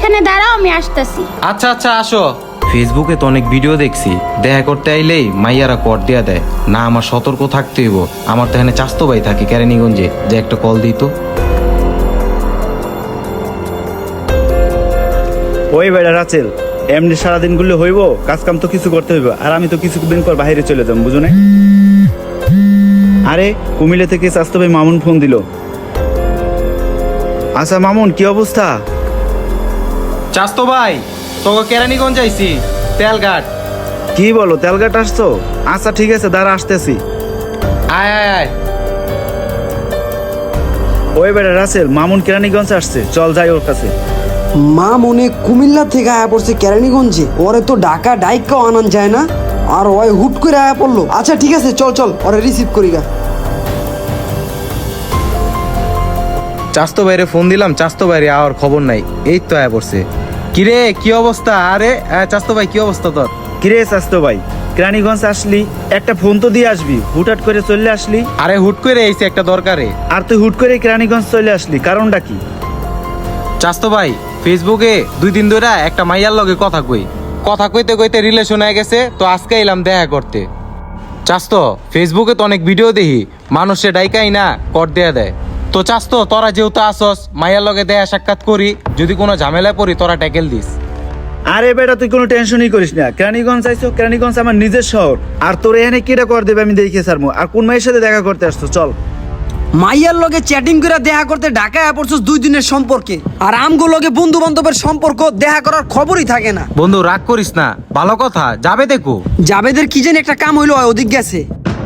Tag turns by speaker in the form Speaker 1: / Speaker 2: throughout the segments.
Speaker 1: ওইখানে দাঁড়াও, আমি আসতেছি।
Speaker 2: আচ্ছা আচ্ছা আসো। ফেসবুকে তো অনেক ভিডিও দেখছি, দেখা করতে আইলেই মাইয়ারা কর দিয়া দেয় না। আমার সতর্ক থাকতে হইব। আমার তো এখানে চাস্তো ভাই থাকে কেরানীগঞ্জে, যে একটা কল দিত।
Speaker 3: ওই বেড়া রাচেল, এমনি সারাদিন গুলো হইব, কাজ কাম তো কিছু করতে হইব, আর আমি তো কিছুদিন পর বাইরে চলে যাবো, বুঝো না? আরে কুমিল্লা থেকে স্বাস্থ্য ভাই মামুন ফোন দিল। আচ্ছা মামুন, কি অবস্থা?
Speaker 2: চাস্তো ভাই, তোকে কেরানীগঞ্জ আইছি, তেলঘাট।
Speaker 3: কি বলো, তেলঘাট আসছো? আচ্ছা ঠিক আছে, দাঁড়া আসতেছি।
Speaker 2: আয় আয় আয়।
Speaker 3: ওই বেড়া রাসেল, মামুন কেরানীগঞ্জ আসছে, চল যাই ওর কাছে।
Speaker 4: মা মনে কুমিল্লা থেকে আয়া পড়ছে কেরানীগঞ্জে, ওরে তো ঢাকা ডাইকাও আনান যায় না, আর ওই হুট করে আয়া পড়লো। আচ্ছা ঠিক আছে, চল চল ওরে রিসিভ করি গা।
Speaker 2: চাস্তো ভাইরে ফোন দিলাম, চাস্তো ভাইরে আর খবর নাই। এই তো আয়া পড়ছে। কিরে কি অবস্থা? আরে চাস্তো ভাই কি অবস্থা তোর?
Speaker 3: কিরে স্বাস্থ্য ভাই, কেরানীগঞ্জ আসলি, একটা ফোন তো দিয়ে আসবি, হুটহাট করে চলে আসলি।
Speaker 2: আরে হুট করে আইছে একটা দরকারে।
Speaker 3: আর তুই হুট করে কেরানীগঞ্জ চলে আসলি, কারণটা কি?
Speaker 2: চাস্তো ভাই, ফেসবুকে 2 দিন ধরে একটা মাইয়ার লগে কথা কইতে কইতে রিলেশন হয়ে গেছে, তো আজকে এলাম দেখা করতে। চাস্তো, ফেসবুকে তো অনেক ভিডিও দেখি, মানুষে ডাইকাই না কর দেয়া দেয়। তো চাস্তো, তোরা যেহেতু আসস, মাইয়ার লগে দেখা সাক্ষাৎ করি, যদি কোনো ঝামেলায় পড়ি তোরা ট্যাকেল দিস।
Speaker 3: আরে বেটা, তুই কোনো টেনশনই করিস না। কেরানীগঞ্জ আইছো, কেরানীগঞ্জ আমার নিজের শহর, আর তোর এখানে কিটা কর দেবে আমি দেখে সারমু। আর কোন মায়ের সাথে দেখা করতে আসছো, চল।
Speaker 4: মাইয়ার লগে চ্যাটিং করে দেখা করতে ঢাকায় আয়া পড়ছস 2 দিনের সম্পর্কে, আর আমগো লগে বন্ধু বান্ধবের সম্পর্ক, দেখা করার খবরই থাকে না।
Speaker 2: বন্ধু রাগ করিস না, ভালো কথা, যাবে দেখো।
Speaker 4: জাবেদের কি জানি একটা কাম হইলো, ওদিক গেছে।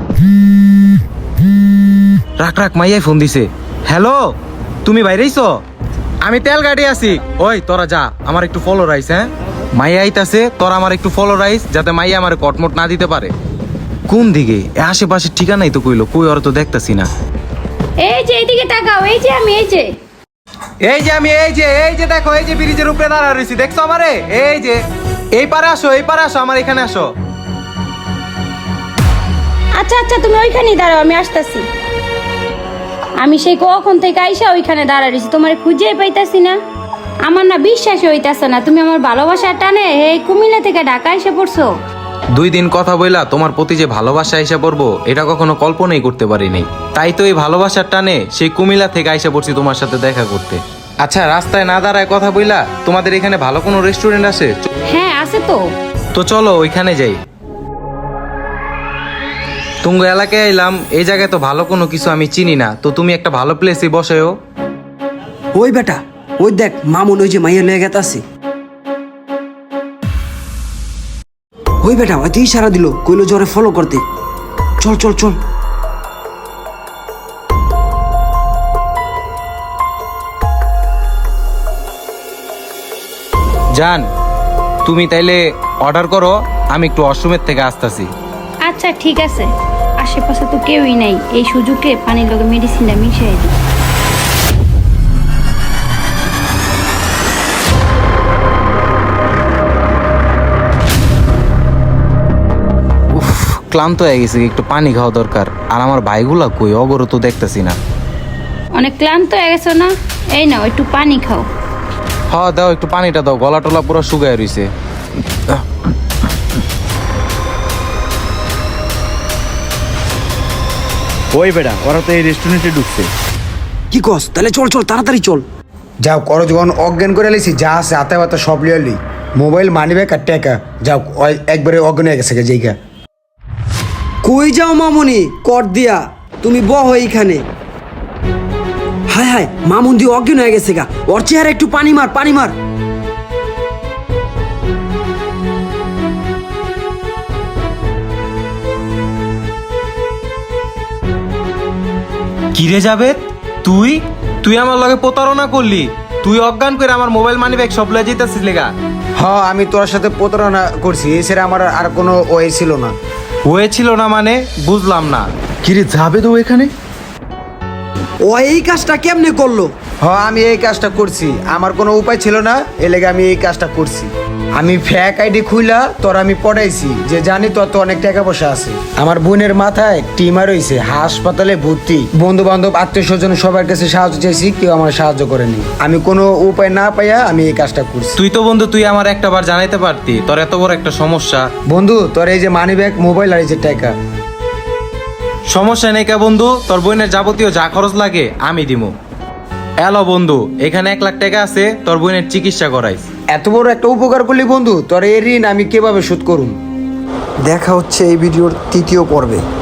Speaker 2: রাখ রাখ, মাইয়াই ফোন দিছে। হ্যালো, তুমি বাইরেইছো? আমি তেল গাড়ি আছি। ওই তোরা যা, আমার একটু ফলো রাইস। হ্যাঁ, মাইয়া আইতাছে, তোরা আমার একটু ফলো রাইস, যাতে মাইয়া আমার কটমট না দিতে পারে। কোন দিকে? আশেপাশে ঠিকানাই তো কইলো, কই ওরা তো দেখতাছি না।
Speaker 1: এই যে এইদিকে তাকাও, এই যে আমি, এই যে
Speaker 2: আমি এই যে দেখো, এই যে ব্রিজের উপরে দাঁড়া রইছি, দেখছো আমারে? এই যে এই পারে আসো, আমার এখানে আসো।
Speaker 1: আচ্ছা আচ্ছা, তুমি ওইখানেই দাঁড়াও, আমি আসতেছি। আমি সেই কখন থেকে আইসা ওইখানে দাঁড়াইছি, তোমার খুঁজেই পাইতাছি না। আমার না বিশ্বাসই হইতাছে না, তুমি আমার ভালোবাসার টানে এই কুমিল্লা থেকে ঢাকা এসে পড়ছো।
Speaker 2: 2 দিন কথা বইলা তোমার প্রতি যে ভালোবাসা আইসা পড়বো, এটা কখনো কল্পনাই করতে পারি নাই। তাই তো এই ভালোবাসার টানে সেই কুমিল্লা থেকে আইসা পড়ছি তোমার সাথে দেখা করতে। আচ্ছা, রাস্তায় না দাঁড়ায় কথা বইলা, তোমাদের এখানে ভালো কোনো রেস্টুরেন্ট আছে?
Speaker 1: হ্যাঁ আছে তো।
Speaker 2: তো চলো ওইখানে যাই। তুঙ্গ এলাকায় এলাম, এই জায়গায় তো ভালো কোনো কিছু আমি চিনি না, তো তুমি একটা ভালো প্লেসে বসেও।
Speaker 4: ওই বেটা, ওই দেখ মামুন ওই যে মাইয়া লয়ে গেতাছে। ওই বেটা হয়তো ইশারা দিল, কইলো জোরে ফলো করতে। চল চল চল।
Speaker 2: জান, তুমি তাইলে অর্ডার করো, আমি একটু ওয়াশরুমের থেকে আসতেছি।
Speaker 1: আচ্ছা ঠিক আছে, আশেপাশে তো কেউই নাই, এই সুযোগে পানির লগে মেডিসিনটা মিশিয়ে দিই।
Speaker 2: ক্লান্ত হয়ে গেছে, একটু পানি খাওয়া দরকার। আর আমার ভাইগুলা কই, অগরও তো দেখতেছি না।
Speaker 1: অনেক ক্লান্ত হয়ে গেছো না? এই নাও একটু পানি খাও।
Speaker 2: হ্যাঁ দাও, একটু পানিটা দাও, গলা টলা পুরো শুকায় রইছে।
Speaker 3: ওই বেটা, ওরা তো এই রেস্টুরেন্টে ঢুকছে।
Speaker 4: কি কস? তাহলে চল চল, তাড়াতাড়ি চল।
Speaker 5: যাও করো, যখন অজ্ঞান করে লিছি, যা আছে হাতে হাতে সব লিয়ালি, মোবাইল মানি ব্যাগ আর টাকা, যাও একবারে অজ্ঞান হয়ে গেছে জায়গা।
Speaker 4: কই যাও মামুনি কর দিয়া? তুমি বহ এইখানে। হায় হায়, মামুন দিয়ে অজ্ঞান হয়ে গেছে গা। ওর চেহারা একটু পানি মার, পানি মার।
Speaker 2: কিরে যাবে, তুই তুই আমার লগে প্রতারণা করলি? তুই অজ্ঞান করে আমার মোবাইল মানি ব্যাগ সব লয়ে যেতেছিস লেগা?
Speaker 5: হ্যাঁ, আমি তোর সাথে প্রতারণা করছি, এছাড়া আমার আর কোনো ওয়ে ছিল না।
Speaker 2: হয়েছিল না মানে বুঝলাম না।
Speaker 3: কিরে যাবে তো এখানে?
Speaker 4: ও এই কাজটা কেমনে করলো?
Speaker 5: আমি এই কাজটা করছি, আমার কোনো উপায় ছিল না, এ লেগে আমি এই কাজটা করছি। আমি ফ্যাক আইডি খুইলা তোর আমি পড়াইছি যে জানি তোর তো অনেক টাকা পয়সা আছে। আমার বোনের মাথায় টিমার হয়েছে, হাসপাতালে ভর্তি। বন্ধু বান্ধব আত্মীয় স্বজন সবার কাছে সাহায্য চাইছি, কেউ আমার সাহায্য করেনি। আমি কোনো উপায় না পাইয়া আমি এই কাজটা করছি।
Speaker 2: তুই তো বন্ধু তুই আমার একটা বার জানাইতে পারতি তোর এত বড় একটা সমস্যা।
Speaker 5: বন্ধু তোর এই যে মানি ব্যাগ, মোবাইল আর এই যে টাকা।
Speaker 2: সমস্যা নেই কা বন্ধু, তোর বোনের যাবতীয় যা খরচ লাগে আমি দিমু। এলো বন্ধু, এখানে 1 লাখ টাকা আছে, তোর বোনের চিকিৎসা করাইস।
Speaker 5: এত বড় একটা উপকার করলি বন্ধু, তোর এই ঋণ আমি কিভাবে শোধ করুম?
Speaker 4: দেখা হচ্ছে এই ভিডিওর 3য় পর্বে।